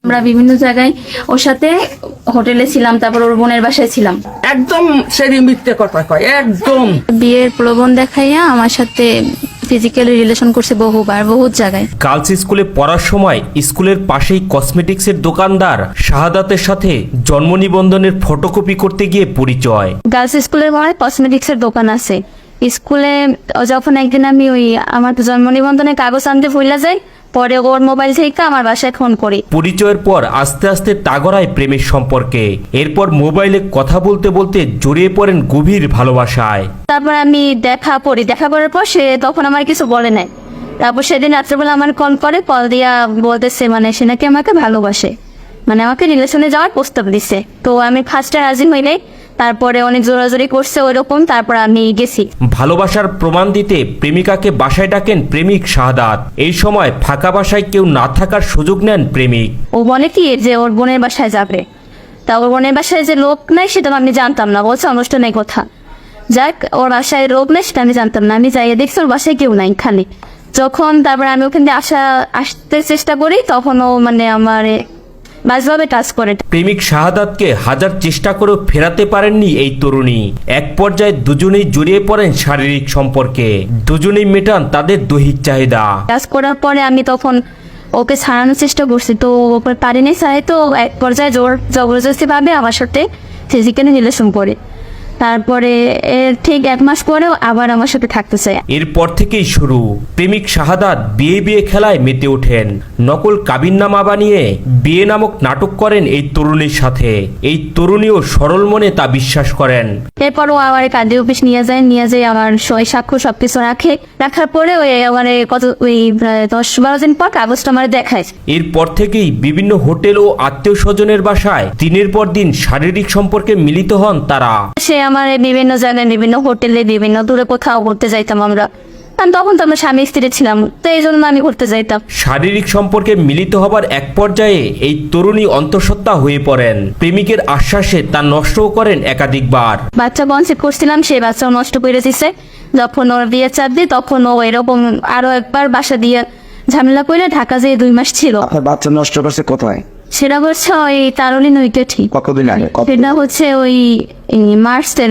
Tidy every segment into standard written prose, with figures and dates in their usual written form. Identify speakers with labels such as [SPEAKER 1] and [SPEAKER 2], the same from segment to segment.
[SPEAKER 1] আমরা বিভিন্ন জায়গায় ওর সাথে হোটেলে ছিলাম, তারপর ওর বোনের বাসায় ছিলাম।
[SPEAKER 2] একদম সেরি মিথ্যে কথা কয়, একদম।
[SPEAKER 1] বিয়ের প্রলোভন দেখাইয়া আমার সাথে ফিজিক্যালি রিলেশন করছে বহুবার, বহুত জায়গায়।
[SPEAKER 3] গার্লস স্কুলে পড়ার সময় স্কুলের পাশেই কসমেটিক্সের দোকানদার শাহাদাতের সাথে জন্ম নিবন্ধনের ফটোকপি করতে গিয়ে পরিচয়।
[SPEAKER 1] গার্লস স্কুলের মনে কসমেটিক্সের দোকান আছে স্কুলে। যখন একদিন আমি ওই আমার জন্ম নিবন্ধনের কাগজ আনতে ভুলে যাই, পরে ওর মোবাইল থেকে আমার বাসায় ফোন করি।
[SPEAKER 3] পরিচয়ের পর আস্তে আস্তে তাগড়ায় প্রেমের সম্পর্কে। এরপর মোবাইলে কথা বলতে বলতে জড়িয়ে পড়েন গভীর ভালোবাসায়।
[SPEAKER 1] তারপর আমি দেখা করার পর সে তখন আমার কিছু বলে নাই। তারপর সেদিন রাত্রেবেলা আমার কল দিয়া বলতেছে মানে সে নাকি আমাকে ভালোবাসে, মানে আমাকে রিলেশনে যাওয়ার প্রস্তাব দিছে। তো আমি ফার্স্টে রাজি হই নাই, তারপরে অনেক জোরাজোরি করছে ওইরকম, তারপর আমি গেছি।
[SPEAKER 3] ভালোবাসার প্রমাণ দিতে প্রেমিকাকে বাসায় ডাকেন প্রেমিক শাহাদাত। এই সময় ফাঁকা বাসায় কেউ না থাকার সুযোগ নেন প্রেমিক।
[SPEAKER 1] ও বলে কি যে ওর বোনের বাসায় যাবে, তা ওর বোনের বাসায় যে লোক নাই সেটা আমি জানতাম না, বলছে অনুষ্ঠানের কথা। যাক, ওর বাসায় লোক নেই সেটা আমি জানতাম না। আমি যাই দেখছি ওর বাসায় কেউ নাই, খালি। যখন তারপর আমি ওখান থেকে আসতে চেষ্টা করি, তখন ও মানে আমার বাজভাবে টাচ করে।
[SPEAKER 3] প্রেমিক শাহাদাতকে হাজার চেষ্টা করেও ফেরাতে পারেননি এই তরুণী। এক পর্যায়ে দুজনেই জড়িয়ে পড়েন শারীরিক সম্পর্কে। দুজনেই মেটান তাদের দৈহিক চাহিদা।
[SPEAKER 1] টাচ করার পরে আমি তখন ওকে ছাড়ানোর চেষ্টা করছি, তো ওকে পারিনি ছাড়াই। তো এক পর্যায়ে জবরদস্তি ভাবে আমার সাথে ফিজিক্যালি রিলেশন করে। তারপরে ঠিক 1 মাস পরেও আবার আমার সাথে থাকতে চায়।
[SPEAKER 3] এরপর থেকেই শুরু প্রেমিক শাহাদাত বিয়ে খেলায় মেতে ওঠেন। নকল কাবিননামা বানিয়ে বিয়ে নামক নাটক করেন এই তরুণীর সাথে। এই তরুণীও সরল মনে তা বিশ্বাস করেন।
[SPEAKER 1] এরপরও আমার কাজী অফিস নিয়ে যায় আমার সই সাক্ষ্য সবকিছু রাখার পরে ওই আমার ওই 10-12 দিন পর কাগজটা আমার দেখায়।
[SPEAKER 3] এরপর থেকেই বিভিন্ন হোটেল ও আত্মীয় স্বজনের বাসায় দিনের পর দিন শারীরিক সম্পর্কে মিলিত হন তারা।
[SPEAKER 1] সে আমার বিভিন্ন জায়গায়, বিভিন্ন হোটেলে, বিভিন্ন দূরে কোথাও ঘুরতে যাইতাম আমরা। তখন তো আমরা স্বামী স্ত্রী ছিলাম, তো এই জন্য আমি ঘুরতে যাইতাম।
[SPEAKER 3] শারীরিক সম্পর্কে মিলিত হবার এক পর্যায়ে এই তরুণী অন্তঃসত্ত্বা হয়ে পড়েন। প্রেমিকের আশ্বাসে তা নষ্টও করেন একাধিকবার।
[SPEAKER 1] বাচ্চা কনসেপ্ট করছিলাম, সেই বাচ্চাও নষ্ট করে দিছে। যখন ওর বিয়ে চাপ দিই, তখন ও এরকম আরো একবার বাসা দিয়ে ঝামেলা করে ঢাকা যেয়ে 2 মাস ছিল।
[SPEAKER 4] আপনার বাচ্চা নষ্ট করছে কোথায়?
[SPEAKER 1] সেটা হচ্ছে ওই তারুলিন উইকেটই।
[SPEAKER 4] কতদিন আগে?
[SPEAKER 1] সেটা হচ্ছে ওই মার্চের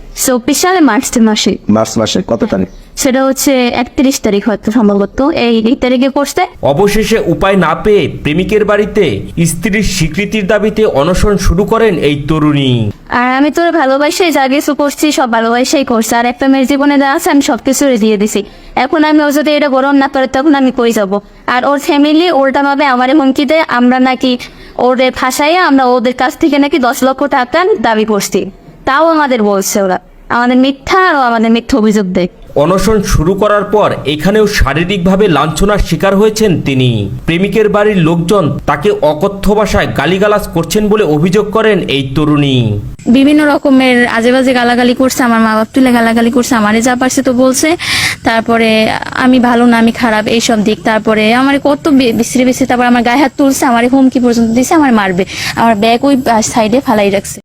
[SPEAKER 1] 24 সালে মাসে।
[SPEAKER 4] মার্চ মাসে কত তারিখ?
[SPEAKER 1] সেটা হচ্ছে 31 তারিখ হয়তো সম্ভবত, এই তারিখে করছে।
[SPEAKER 3] অবশেষে উপায় না পেয়ে প্রেমিকের বাড়িতে স্ত্রীর স্বীকৃতির দাবিতে অনশন শুরু করেন এই তরুণী।
[SPEAKER 1] আর আমি তো ভালোবাসাই যা কিছু করছি, সব ভালোবাসাই করছি। আর একটা মেয়ের জীবনে যা আছে আমি সবকিছু দিয়ে দিছি। এখন আমি ও যদি এটা গ্রহণ না করে, তখন আমি কই যাব? আর ওর ফ্যামিলি উল্টা ভাবে আমারে হুমকি দেয়, আমরা নাকি ওদের ফাঁসাইয়া আমরা ওদের কাছ থেকে নাকি 10 লক্ষ টাকা দাবি করছি। তাও আমাদের বলছে ওরা, আমাদের মিথ্যা অভিযোগ দেয়।
[SPEAKER 3] অনশন শুরু করার পর এখানেও শারীরিকভাবে লাঞ্ছনার শিকার হয়েছেন তিনি। প্রেমিকের বাড়ির লোকজন তাকে অকথ্য ভাষায় গালিগালাজ করছেন বলে অভিযোগ করেন এই তরুণী।
[SPEAKER 1] বিভিন্ন রকমের আজেবাজে গালাগালি করছে, আমার মা বাপ তুলে গালাগালি করছে, আমারে যা পারছে তো বলছে। তারপরে আমি ভালো না, আমি খারাপ, এইসব দিক। তারপরে আমার কত বিশ্রী, তারপর আমার গায়ে হাত তুলছে, আমার হুমকি পর্যন্ত দিছে আমার মারবে। আমার ব্যাগ ওই সাইডে ফালাই রাখছে।